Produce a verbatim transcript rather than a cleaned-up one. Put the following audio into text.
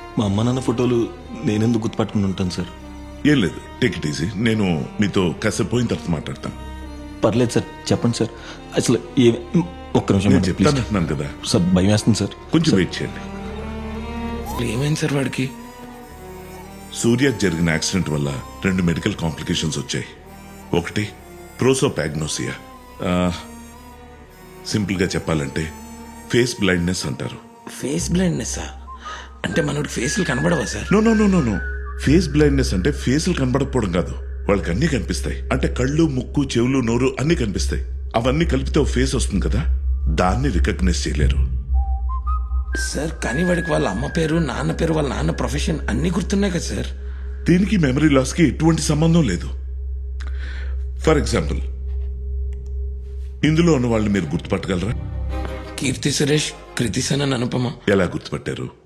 మా అమ్మ నాన్న ఫోటోలు నేనెందుకు గుర్తుపట్టుకుని ఉంటాను సార్? ఏం లేదు, టేక్ ఇట్ ఈజీ. నేను మీతో కాసేపు పోయిన తర్వాత మాట్లాడతాను. పర్లేదు సార్, చెప్పండి సార్. అసలు ఏ ఒక్క నిమిషం నేను మేడం, ప్లీజ్. చెప్తానంటున్నాను కదా, సార్ భయం వేస్తుంది సార్. కొంచెం వెయిట్ చేయండి. ఏమైంది సార్ వాడికి? సూర్యకు జరిగిన యాక్సిడెంట్ వల్ల రెండు మెడికల్ కాంప్లికేషన్స్ వచ్చాయి. ఒకటి ప్రోసోపాగ్నోసియా, సింపుల్ గా చెప్పాలంటే ఫేస్ బ్లైండ్నెస్ అంటారు. ఫేస్ బ్లైండ్నెస్ అంటే మనోడికి ఫేస్లు కనబడవా sir? No no no no no face blindness అంటే ఫేసులు కనబడకపోవడం కాదు, వాళ్ళకి అన్ని కనిపిస్తాయి. అంటే కళ్ళు, ముక్కు, చెవులు, నోరు అన్ని కనిపిస్తాయి. అవన్నీ కలిపితే ఒక ఫేస్ వస్తుంది కదా, దాన్ని రికగ్నైజ్ చేయలేరు. సార్ కానీ వాడికి వాళ్ళ అమ్మ పేరు, నాన్న పేరు, వాళ్ళ నాన్న ప్రొఫెషన్ అన్ని గుర్తున్నాయి కదా సార్. దీనికి మెమరీ లాస్ కి ఎటువంటి సంబంధం లేదు. ఫర్ ఎగ్జాంపుల్, ఇందులో ఉన్న వాళ్ళని మీరు గుర్తుపట్టగలరా? కీర్తి సురేష్, కృతి సనన్, అనుపమ. ఎలా గుర్తుపట్టారు?